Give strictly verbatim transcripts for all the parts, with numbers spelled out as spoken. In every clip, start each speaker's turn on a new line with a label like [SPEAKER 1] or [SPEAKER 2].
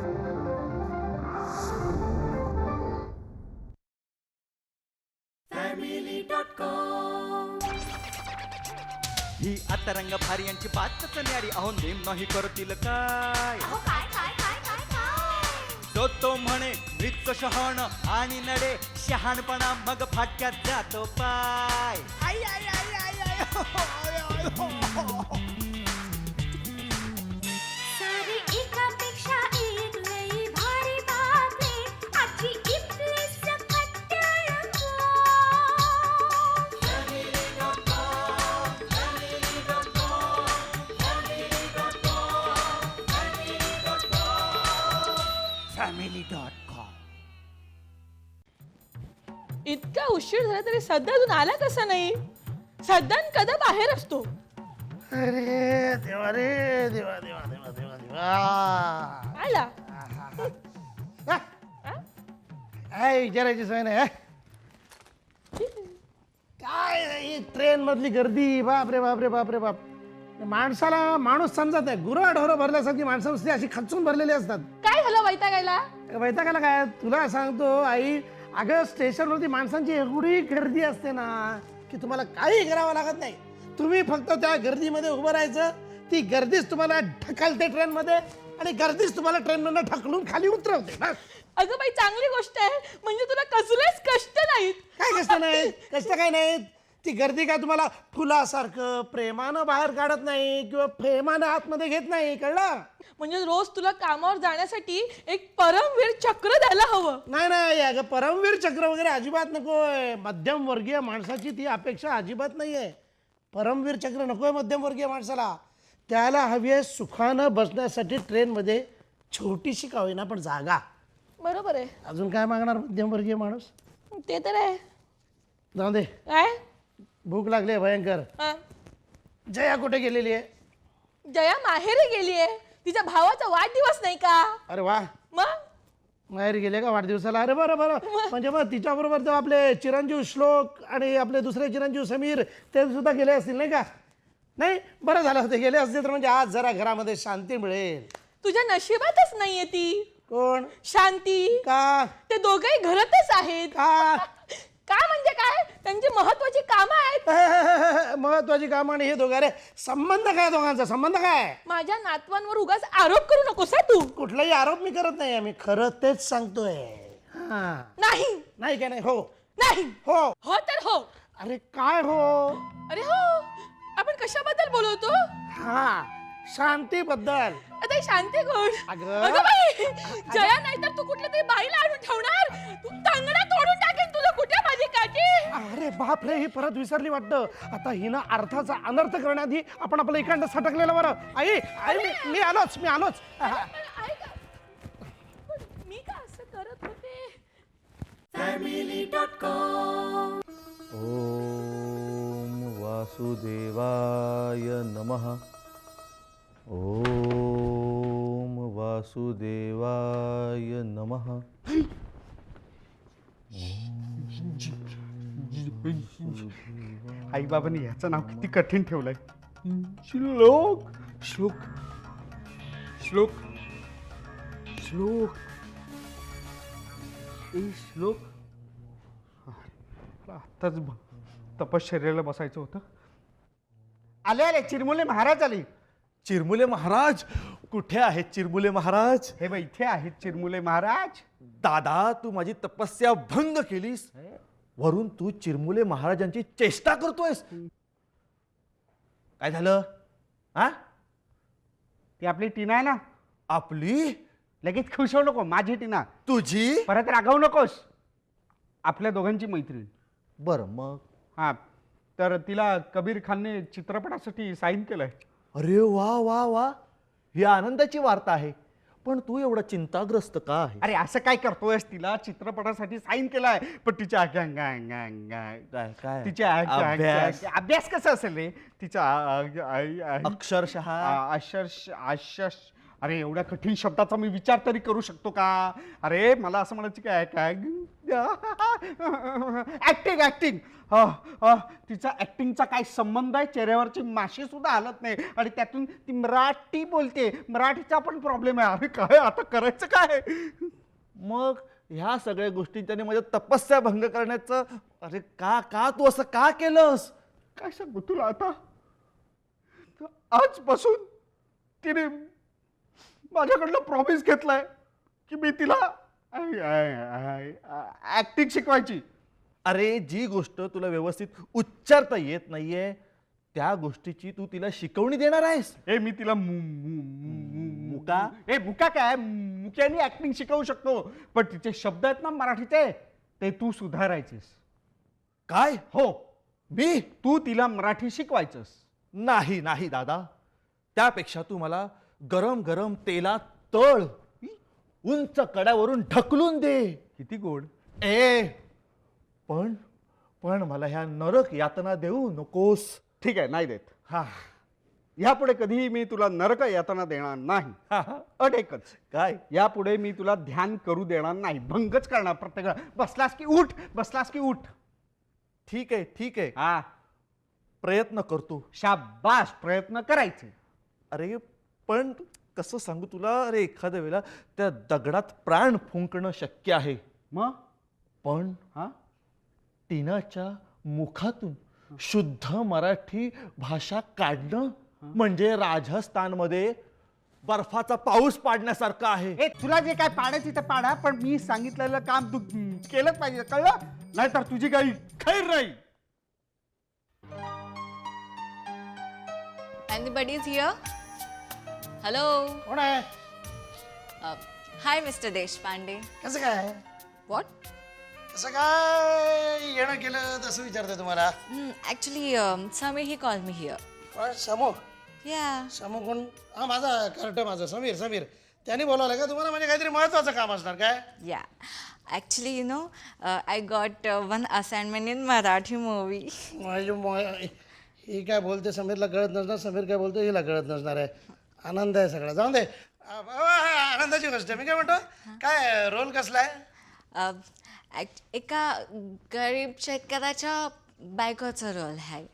[SPEAKER 1] ही आता रंग भारी यांची बातच न्यारी अहो नेम नाही करतील काय तो तो म्हणे मृत शहाण आणि नडे शहाणपणा मग फाटक्यात जातो पाय आई आई आई आई आई हो, हो, आय, आय, हो, हो.
[SPEAKER 2] सारी एकापेक्षा एक लई भारी बातमी आजची इथली सकट रंगो.
[SPEAKER 1] Family dot com.
[SPEAKER 3] इतका उशीर झाला तरी सध्या अजून आला कसा नाही? सध्या कदा बाहेर असतो.
[SPEAKER 4] अरे देवा रे देवा देवा देवा देवा देवा
[SPEAKER 3] आला
[SPEAKER 4] हा? काय विचारायची सोय नाही हा? काय ही ट्रेन मधली गर्दी बाप रे बाप रे बाप रे बाप माणसाला माणूस समजत नाही. गुरं ढोरं भरल्यासारखी माणसं नुसती अशी खचून भरलेली असतात.
[SPEAKER 3] काय झालं वैतागायला?
[SPEAKER 4] वैतागाला काय तुला सांगतो आई, अगं स्टेशनवरती माणसांची एवढी गर्दी असते ना की तुम्हाला काही करावं लागत नाही. तुम्ही फक्त त्या गर्दीमध्ये उभं राहायचं. ती गर्दीच तुम्हाला ढकलते ट्रेनमध्ये आणि गर्दीच तुम्हाला ट्रेनमधून ढकलून खाली उतरवते. बस.
[SPEAKER 3] अगं बाई चांगली गोष्ट आहे, म्हणजे तुला कसलेच कष्ट नाहीत.
[SPEAKER 4] काय कष्ट नाहीत? कष्ट काय नाहीत? ती गर्दी काय तुम्हाला फुलासारखं प्रेमानं बाहेर काढत नाही किंवा प्रेमानं आतमध्ये घेत नाही. कळलं?
[SPEAKER 3] म्हणजे रोज तुला कामावर जाण्यासाठी एक परमवीर चक्र द्यायला हवं.
[SPEAKER 4] नाही नाही अगं परमवीर चक्र वगैरे अजिबात नकोय. मध्यम वर्गीय माणसाची ती अपेक्षा अजिबात नाहीये. परमवीर चक्र नकोय मध्यमवर्गीय माणसाला. त्याला हवी आहे सुखानं बसण्यासाठी ट्रेनमध्ये छोटीशी का होईना पण जागा.
[SPEAKER 3] बरोबर आहे.
[SPEAKER 4] अजून काय मागणार मध्यमवर्गीय माणूस?
[SPEAKER 3] ते तर आहे.
[SPEAKER 4] जाऊ दे,
[SPEAKER 3] काय
[SPEAKER 4] भूक लागली आहे भयंकर.
[SPEAKER 3] हा?
[SPEAKER 4] जया कुठे गेलेली आहे?
[SPEAKER 3] जया माहेरी गेलीये. तिच्या भावाचा वाढदिवस नाही का?
[SPEAKER 4] अरे वा,
[SPEAKER 3] मग
[SPEAKER 4] माहेरी गेले का वाढदिवसाला? अरे बरं बरं. म्हणजे मग तिच्याबरोबर तो आपले चिरंजीव श्लोक आणि आपले दुसरे चिरंजीव समीर ते सुद्धा गेले असतील नाही का? नाही बरं झालं ते गेले असतील तर म्हणजे आज जरा घरामध्ये शांती मिळेल.
[SPEAKER 3] तुझ्या नशिबातच नाहीये ती
[SPEAKER 4] कोण?
[SPEAKER 3] शांती.
[SPEAKER 4] का?
[SPEAKER 3] ते दोघेही घरातच आहेत.
[SPEAKER 4] का?
[SPEAKER 3] का म्हणजे काय? त्यांची महत्वाची कामं आहेत.
[SPEAKER 4] महत्वाची कामं आणि हे दोघं. अरे संबंध काय दोघांचा? संबंध काय?
[SPEAKER 3] माझ्या नातवांवर उगाच आरोप करू नकोस हा तू.
[SPEAKER 4] कुठलाही आरोप मी करत नाही. आम्ही खरं तेच सांगतोय. हा.
[SPEAKER 3] नाही
[SPEAKER 4] नाही काय? नाही हो
[SPEAKER 3] नाही
[SPEAKER 4] हो.
[SPEAKER 3] हो तर हो.
[SPEAKER 4] अरे काय हो?
[SPEAKER 3] अरे हो. आपण कशाबद्दल बोलवतो?
[SPEAKER 4] हा, शांतीबद्दल.
[SPEAKER 3] आता ही शांती कोण?
[SPEAKER 4] अगं.
[SPEAKER 3] अगं बाई, जया नाही तर तू कुठल्या तरी बाईला आणून ठेवणार. तू तांगडा तोडून टाकेन तुझं. कुठे माझी काठी?
[SPEAKER 4] अरे बाप रे, ही परत विसरली वाटतं. आता हिनं अर्थाचा अनर्थ करण्याआधी आपण आपलं इकडं सटकलेलं बरं. आई आई मी मी आलोच मी आलोच हा.
[SPEAKER 3] पण ऐक, पण मी का असं करत होते?
[SPEAKER 5] ओम वासुदेवाय नमः. ओम वासुदेवाय नमः.
[SPEAKER 6] आई बाबांनी ह्याचं नाव किती कठीण ठेवलंय. श्लोक श्लोक श्लोक श्लोक ए श्लोक. आत्ताच तपश्चर्याला बसायचं होतं. आले आले चिरमुले महाराज आले.
[SPEAKER 5] चिरमुले महाराज कुठे आहेत? चिरमुले महाराज
[SPEAKER 6] हे बघ इथे आहेत चिरमुले महाराज.
[SPEAKER 5] दादा, तू माझी तपस्या भंग केलीस. वरून तू चिरमुले महाराजांची चेष्टा करतोयस. काय झालं? हा,
[SPEAKER 6] ती आपली टीना आहे ना.
[SPEAKER 5] आपली?
[SPEAKER 6] लगेच खुश होऊ नको. माझी टीना.
[SPEAKER 5] तुझी?
[SPEAKER 6] परत रागावू नकोस. आपल्या दोघांची मैत्रीण.
[SPEAKER 5] बर मग?
[SPEAKER 6] हा, तर तिला कबीर खानने चित्रपटासाठी साईन केलंय.
[SPEAKER 5] अरे वा वा वा, ही आनंदाची वार्ता आहे. पण तू एवढा चिंताग्रस्त का आहे?
[SPEAKER 6] अरे असं काय करतोयस? तिला चित्रपटासाठी साईन केलाय पण तिच्या
[SPEAKER 5] काय काय
[SPEAKER 6] तिच्या
[SPEAKER 5] अभ्यास?
[SPEAKER 6] अभ्यास कसा असेल रे तिचा
[SPEAKER 5] अक्षरशः
[SPEAKER 6] अक्षर अक्षर अरे एवढ्या कठीण शब्दाचा मी विचार तरी करू शकतो का? अरे मला असं म्हणायचं काय काय ऍक्टिंग ऍक्टिंग तिचा ऍक्टिंगचा काय संबंध आहे? चेहऱ्यावरची माशी सुद्धा हलत नाही आणि त्यातून ती मराठी बोलते. मराठीचा पण प्रॉब्लेम आहे. अरे काय आता करायचं काय?
[SPEAKER 5] मग ह्या सगळ्या गोष्टी त्याने माझ्या तपस्या भंग करण्याचं, अरे का का तू असं का केलंस?
[SPEAKER 6] काय सांगू तुला आता? आजपासून तिने माझ्याकडनं प्रॉमिस घेतलाय की मी तिला ऍक्टिंग शिकवायची.
[SPEAKER 5] अरे जी गोष्ट तुला व्यवस्थित उच्चारता येत नाहीये त्या गोष्टीची तू तिला शिकवणी देणार आहेस?
[SPEAKER 6] ए मी तिला मु- मु- मु-
[SPEAKER 5] मुका?
[SPEAKER 6] ए मुका काय? मुक्याने ऍक्टिंग शिकवू शकतो, पण तिचे शब्द आहेत ना मराठीचे ते तू सुधारायचेस.
[SPEAKER 5] काय?
[SPEAKER 6] हो,
[SPEAKER 5] मी?
[SPEAKER 6] तू तिला मराठी शिकवायचंस.
[SPEAKER 5] नाही नाही दादा, त्यापेक्षा तू मला गरम गरम तेलात तळ, उंच कड्यावरून ढकलून दे.
[SPEAKER 6] किती गोड.
[SPEAKER 5] ए पण पण मला ह्या नरक यातना देऊ नकोस.
[SPEAKER 6] ठीक आहे, नाही देत.
[SPEAKER 5] हा
[SPEAKER 6] यापुढे कधीही मी तुला नरक यातना देणार नाही.
[SPEAKER 5] हा, हा.
[SPEAKER 6] अट एकच,
[SPEAKER 5] काय?
[SPEAKER 6] यापुढे मी तुला ध्यान करू देणार नाही. भंगच करणार प्रत्येक वेळा. बसलास की उठ, बसलास की उठ.
[SPEAKER 5] ठीक आहे ठीक आहे,
[SPEAKER 6] हा,
[SPEAKER 5] प्रयत्न करतो.
[SPEAKER 6] शाबास, प्रयत्न करायचे.
[SPEAKER 5] अरे पण कसं सांगू तुला, अरे एखाद्या वेळेला त्या दगडात प्राण फुंकणं शक्य आहे,
[SPEAKER 6] मग
[SPEAKER 5] पण
[SPEAKER 6] हा
[SPEAKER 5] टीनाच्या मुखातून शुद्ध मराठी भाषा काढणं म्हणजे राजस्थानमध्ये बर्फाचा पाऊस पाडण्यासारखं आहे.
[SPEAKER 6] ए तुला जे काय पाडायचं ते पाडा, पण मी सांगितलेलं काम तू केलंच पाहिजे, कळलं? नाहीतर तुझी काही खैर नाही.
[SPEAKER 7] Anybody's here? Hello.
[SPEAKER 4] कोण आहे?
[SPEAKER 7] Uh, hi, Mister Deshpande.
[SPEAKER 4] कसं काय?
[SPEAKER 7] What?
[SPEAKER 4] कसं काय येणं केलं तसं विचारते तुम्हाला.
[SPEAKER 7] Hmm, actually, um, Samir he called me here.
[SPEAKER 4] पण समूह
[SPEAKER 7] Yeah.
[SPEAKER 4] समूह कोण? हा माझा कार्ट माझा समीर समीर त्यांनी बोलावलं का तुम्हाला? म्हणजे काहीतरी महत्वाचं काम असणार काय?
[SPEAKER 7] Yeah. Actually, you know, uh, I got uh, one assignment in Marathi movie.
[SPEAKER 4] माझी म- ही काय बोलते समीरला कळत नसणार, समीर काय बोलतो हिला कळत नसणार आहे. आनंद आहे सगळा. जाऊन दे. आ, बाबा, आनंदाची गोष्ट आहे. मी काय म्हणतो, काय रोल कसला आहे?
[SPEAKER 7] Uh, act- एका गरीब शेतकऱ्याच्या बायकोचा रोल आहे.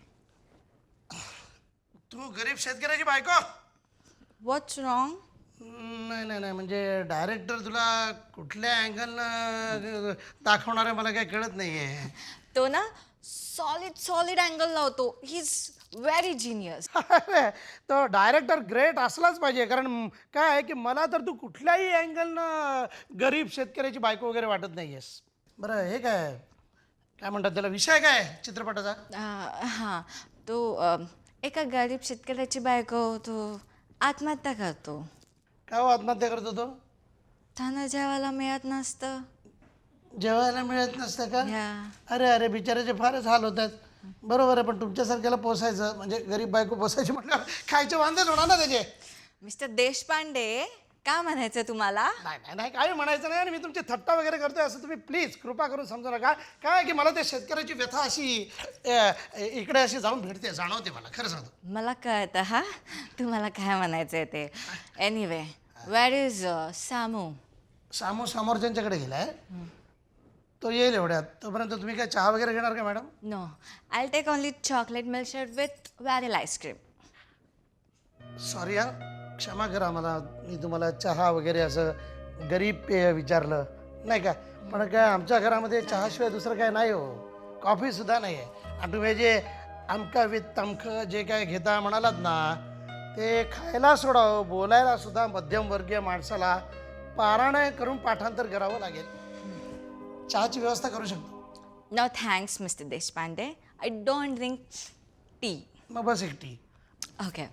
[SPEAKER 4] तू गरीब शेतकऱ्याची बायको?
[SPEAKER 7] What's wrong?
[SPEAKER 4] नाही नाही नाही, म्हणजे डायरेक्टर तुला कुठल्या अँगलनं दाखवणार आहे मला काही कळत नाही आहे.
[SPEAKER 7] तो ना सॉलिड सॉलिड अँगल लावतो. He is very genius.
[SPEAKER 4] तो डायरेक्टर ग्रेट असलाच पाहिजे, कारण काय आहे की मला तर तू कुठल्याही अँगलनं गरीब शेतकऱ्याची बायको वगैरे वाटत नाही आहेस. बरं हे काय काय म्हणतात त्याला, विषय काय आहे चित्रपटाचा?
[SPEAKER 7] हां, तो अं, एका गरीब शेतकऱ्याची बायको तो आत्महत्या करतो.
[SPEAKER 4] काय हो आत्महत्या करतो तो?
[SPEAKER 7] त्यांना जेवायला मिळत नसतं.
[SPEAKER 4] जेवायला मिळत नसतं का?
[SPEAKER 7] या
[SPEAKER 4] अरे अरे बिचाराचे फारच हाल होत आहेत. बरोबर आहे, पण तुमच्यासारख्याला पोसायचं म्हणजे गरीब बायको पोसायची म्हटलं खायचे वांदेच होणार ना त्याचे.
[SPEAKER 7] मिस्टर देशपांडे, काय म्हणायचं तुम्हाला?
[SPEAKER 4] नाही नाही नाही काही म्हणायचं नाही, आणि मी तुमची थट्टा वगैरे करतोय असं तुम्ही प्लीज कृपा करून समजू नका. काय आहे की मला त्या शेतकऱ्याची व्यथा अशी अ, इकडे अशी जाऊन भेटते, जाणवते मला, खरं सांगतो.
[SPEAKER 7] मला कळतं हा तुम्हाला काय म्हणायचं ते. Anyway, where is Samu?
[SPEAKER 4] Samu समोरच्यांच्याकडे गेलाय, तो येईल एवढ्यात. तोपर्यंत तुम्ही काय चहा वगैरे घेणार का madam?
[SPEAKER 7] No, I take only chocolate milkshake with vanilla ice cream.
[SPEAKER 4] Sorry यार, क्षमा करा मला, मी तुम्हाला चहा वगैरे असं गरीब पेय विचारलं नाही का. पण काय आमच्या घरामध्ये चहाशिवाय दुसरं काय नाही हो, कॉफीसुद्धा नाही आहे. आणि तुम्ही जे आमका विथ तमखं जे काय घेता म्हणालात ना, ते खायला सोडावं, बोलायला सुद्धा मध्यमवर्गीय माणसाला पारायण करून पाठांतर करावं लागेल. चहाची व्यवस्था करू शकतो?
[SPEAKER 7] No thanks mister Deshpande, I don't drink tea.
[SPEAKER 4] मग बस एक tea.
[SPEAKER 7] Okay.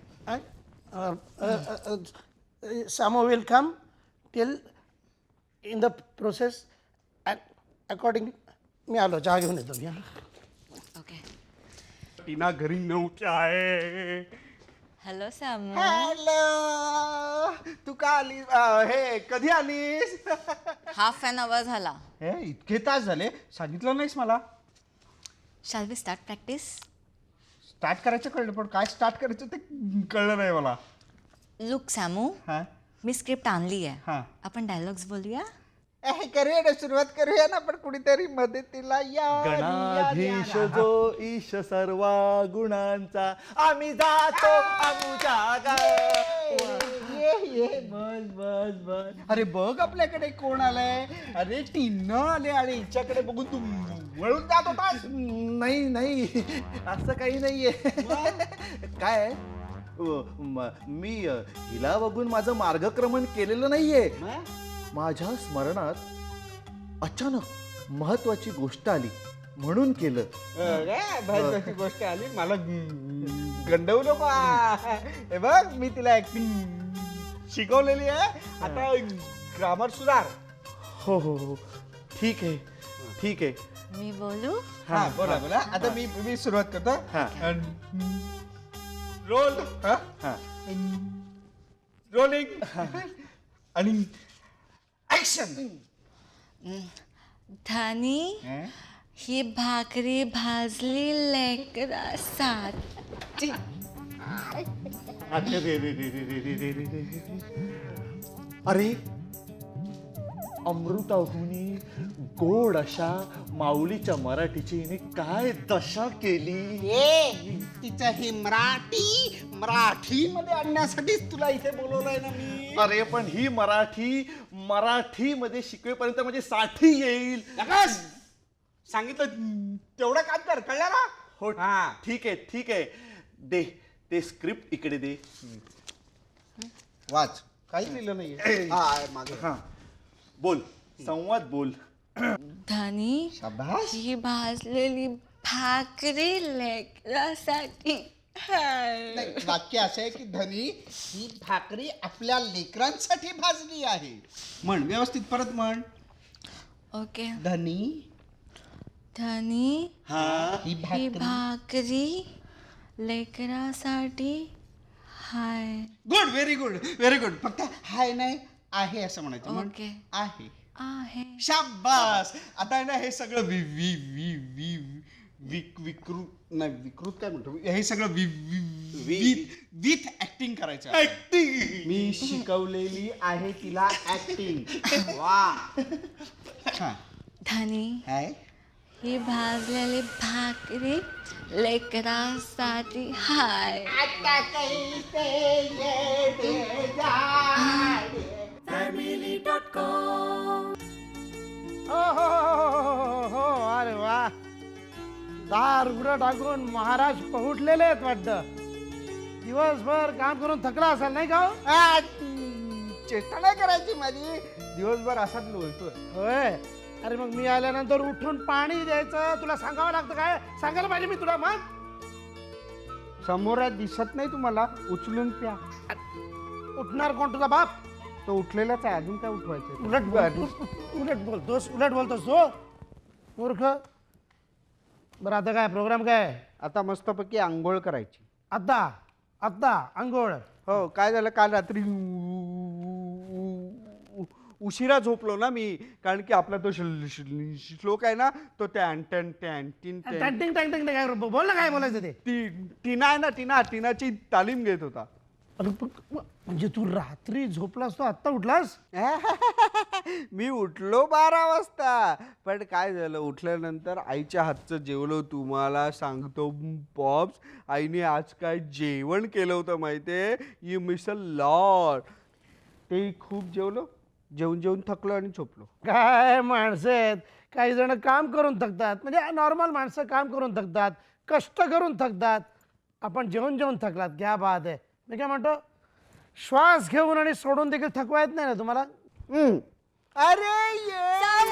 [SPEAKER 4] Samo will come till in the process and according. मी आलो, चहा घेऊन येतो मी.
[SPEAKER 7] ओके.
[SPEAKER 6] टीना घरी नव्हती आहे.
[SPEAKER 7] हॅलो सामू.
[SPEAKER 6] हॅलो, तू का आली? अ, हे कधी आलीस?
[SPEAKER 7] हाफ एन आवर झाला.
[SPEAKER 6] हे इतके तास झाले, सांगितलं नाहीस मला.
[SPEAKER 7] Shall we start practice?
[SPEAKER 6] Start करायचं कळलं, पण काय स्टार्ट करायचं ते कळलं नाही मला.
[SPEAKER 7] लुक सामू,
[SPEAKER 6] हा
[SPEAKER 7] मी स्क्रिप्ट आणली आहे
[SPEAKER 6] हा.
[SPEAKER 7] आपण डायलॉग्स बोलूया.
[SPEAKER 6] ए, करूया ना सुरुवात करूया ना पण कुणीतरी मदतीला या
[SPEAKER 5] गणाधीश जो ईश सर्वा गुणांचा आम्ही जातो आमुच्या गावी.
[SPEAKER 6] ये ये बस बस बस. अरे बघ आपल्याकडे कोण आलंय. अरे टीना आले आणि हिच्याकडे बघून तू वळून जात होतास.
[SPEAKER 5] नाही नाही असं काही नाहीये. काय आहे? अ, म- मी अ, हिला बघून माझं मार्गक्रमण केलेलं नाहीये. माझ्या स्मरणात अचानक महत्वाची गोष्ट आली म्हणून केलं.
[SPEAKER 6] महत्वाची गोष्ट आली मला गंडवू नको. हे बघ मी तिला ऍक्टिंग शिकवलेली आहे. आता ग्रामर सुधार.
[SPEAKER 5] हो हो हो ठीक आहे ठीक आहे.
[SPEAKER 7] मी बोलू.
[SPEAKER 6] हा बोला बोला. आता मी मी सुरुवात करतो.
[SPEAKER 5] हा.
[SPEAKER 6] रोल
[SPEAKER 5] हा.
[SPEAKER 6] रोलिंग आणि ऍक्शन.
[SPEAKER 7] धनी ही भाकरी भाजली लेकरासाठी.
[SPEAKER 5] अरे रे रे रे रे रे रे रे रे रे रे. अरे अमृताहुनी गोड अशा माऊलीच्या मराठीची हिने काय दशा केली.
[SPEAKER 6] ए तिचं हे मराठी मराठी मध्ये आणण्यासाठीच तुला इथे बोलवलंय ना मी.
[SPEAKER 5] अरे पण ही मराठी मराठी मध्ये शिकवेपर्यंत म्हणजे साठी येईल.
[SPEAKER 6] नकास सांगितलं तेवढं काम कर. कळलं ना.
[SPEAKER 5] हो
[SPEAKER 6] हा.
[SPEAKER 5] ठीक आहे ठीक आहे. दे ते स्क्रिप्ट इकडे दे.
[SPEAKER 6] वाच. काहीच लिहिलं नाहीये. हा मागे.
[SPEAKER 5] हा बोल संवाद बोल.
[SPEAKER 7] धनी
[SPEAKER 6] शाबास.
[SPEAKER 7] ही भाजलेली भाकरी लेकरासाठी.
[SPEAKER 6] नाही, वाक्य असं आहे की धनी ही भाकरी आपल्या लेकरांसाठी भाजली आहे. म्हण व्यवस्थित परत म्हण.
[SPEAKER 7] ओके.
[SPEAKER 6] धनी
[SPEAKER 7] धनी
[SPEAKER 5] हा
[SPEAKER 6] ही
[SPEAKER 7] ही
[SPEAKER 6] भाकरी.
[SPEAKER 7] भाकरी लेकरासाठी हाय.
[SPEAKER 6] Good very good very good. फक्त हाय नाही आहे असं म्हणायचं. म्हण.
[SPEAKER 7] ओके.
[SPEAKER 6] आहे.
[SPEAKER 7] आहे.
[SPEAKER 6] शाबास. आता आहे ना हे सगळं वि वि वि वि विक विकृत नाही विकृत काय म्हणतो हे सगळं वि विथ विथ ऍक्टिंग करायचं.
[SPEAKER 5] ऍक्टिंग.
[SPEAKER 6] मी शिकवलेली आहे तिला ऍक्टिंग. वा. हा.
[SPEAKER 7] धनी
[SPEAKER 6] हाय.
[SPEAKER 7] ही भाजलेली भाकरी लेकरासाठी हाय.
[SPEAKER 4] हो हो हो, हो, हो, अरे वा. दार उघडं टाकून महाराज पहुटलेले आहेत वाटतं. दिवसभर काम करून थकला असाल नाही का हो?
[SPEAKER 6] आ, चेष्टा नाही करायची माझी. दिवसभर असाच लोळतोय.
[SPEAKER 4] होय. अरे मग मी आल्यानंतर उठून पाणी द्यायचं तुला सांगावं लागतं काय? सांगायला पाहिजे मी तुला. मग
[SPEAKER 6] समोर दिसत नाही तुम्हाला उचलून प्या.
[SPEAKER 4] उठणार कोण तुझा बाप?
[SPEAKER 6] तो उठलेलाच आहे. अजून काय उठवायचं.
[SPEAKER 4] उलट बोल- उलट बोलतोस उलट बोलतोस तो मूर्ख. बरं आता काय प्रोग्राम काय?
[SPEAKER 6] आता मस्तपैकी आंघोळ करायची.
[SPEAKER 4] आत्ता आत्ता आंघोळ.
[SPEAKER 6] हो काय झालं काल रात्री उ- उ- उशिरा झोपलो ना मी. कारण की आपला तो श्ल- श्ल- श्लोक आहे ना तो टॅन टॅन टॅन टिन टॅन.
[SPEAKER 4] टँटिंग टँटिंग काय बोल ना काय बोलायचं ते.
[SPEAKER 6] टी टीना आहे ना टीना टीनाची तालीम घेत होता.
[SPEAKER 4] अरे पण- म्हणजे तू रात्री झोपलास तो आत्ता उठलास?
[SPEAKER 6] मी उठलो बारा वाजता. पण काय झालं उठल्यानंतर आईच्या हातचं जेवलो. तुम्हाला सांगतो पॉप्स आईने आज काय जेवण केलं होतं माहितीये. You miss a lot. ते खूप जेवलो. जेवून जेवून थकलो आणि झोपलो.
[SPEAKER 4] काय माणसं आहेत. काही जण काम करून थकतात. म्हणजे नॉर्मल माणसं काम करून थकतात कष्ट करून थकतात. आपण जेवण जेवण थकलात. क्या बात आहे. मी काय म्हणतो श्वास घेऊन आणि सोडून देखील थकवा येत नाही ना तुम्हाला?
[SPEAKER 6] अरे ये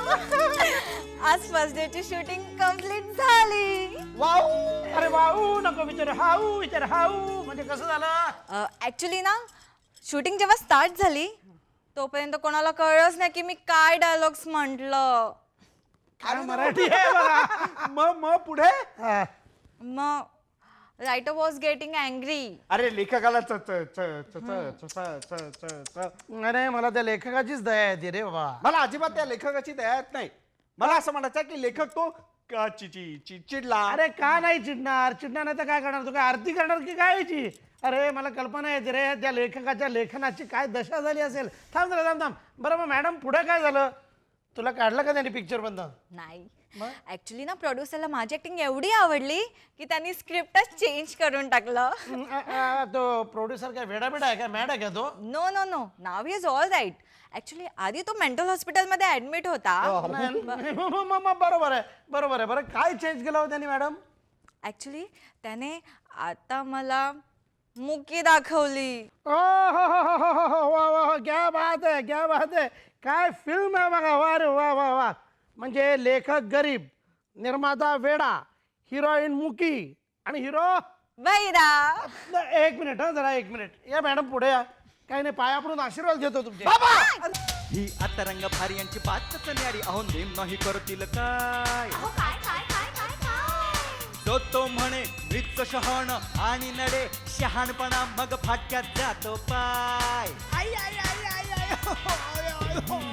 [SPEAKER 7] आज फर्स्ट डे ची शूटिंग कम्प्लीट झाली.
[SPEAKER 6] वाव.
[SPEAKER 4] अरे वाऊ नको विचार हाऊ विचार हाऊ. म्हणजे कसं झालं?
[SPEAKER 7] ऍक्च्युली ना शूटिंग जेव्हा स्टार्ट झाली तोपर्यंत कोणाला कळलंच नाही की मी काय डायलॉग्स म्हटलं.
[SPEAKER 4] काय मराठी आहे बघा.
[SPEAKER 6] मग मग पुढे.
[SPEAKER 4] हा.
[SPEAKER 7] मग रायटर वॉज गेटिंग अँग्री.
[SPEAKER 6] अरे लेखकाला च च च च च च च च च.
[SPEAKER 4] अरे मला त्या लेखकाचीच दया येते रे बाबा.
[SPEAKER 6] मला अजिबात त्या लेखकाची दया येत नाही. मला असं म्हणायचं आहे की लेखक तो क- चि- चि- चि- चिडला.
[SPEAKER 4] अरे का नाही चिडणार? चिडणार नाही तर काय करणार? तू काय आरती करणार की काय याची? अरे मला कल्पना येते रे त्या लेखकाच्या लेखनाची काय दशा झाली असेल. थांब जरा थांब थांब बरं मग मॅडम पुढे काय झालं? तुला काढलं का त्यांनी पिक्चर बंद?
[SPEAKER 7] नाही ऍक्च्युली ना प्रोड्युसरला माझी ऍक्टिंग एवढी आवडली की त्यांनी स्क्रिप्टच चेंज करून टाकलं.
[SPEAKER 4] हं, अ, अ, तो प्रोड्युसर काय वेडा बेडा आहे का? मॅड आहे का तो?
[SPEAKER 7] नो नो नो नाव इज ऑल राईट. ऍक्च्युली आधी तो मेंटल हॉस्पिटलमध्ये ऍडमिट होता.
[SPEAKER 4] नाही, म- म- म- म- बरोबर आहे बरोबर आहे. बरं काय चेंज केलं हो त्यांनी मॅडम?
[SPEAKER 7] ऍक्च्युली त्याने आता मला मुकी दाखवली.
[SPEAKER 4] ओ हो हो हो हो हो हो वा वा वा क्या बात आहे क्या बात आहे. काय फिल्म आहे बघा. वा रे वा वा वा. म्हणजे लेखक गरीब, निर्माता वेडा, हिरोईन मुकी आणि हिरो
[SPEAKER 7] बैरा.
[SPEAKER 4] एक मिनिट हा जरा एक मिनिट या मॅडम पुढे या. काही नाही पाया पडून आशीर्वाद घेतो तुमचे.
[SPEAKER 1] ही आता रंग भारी यांची बातच न्यारी अहो नेम नाही करतील काय
[SPEAKER 2] अहो काय काय काय काय काय
[SPEAKER 1] तो तो म्हणे वृत्त शहाण आणि नडे शहाणपणा मग फाटक्यात जातो पाय आई आई आई आई आई हो, हो, हो, हो.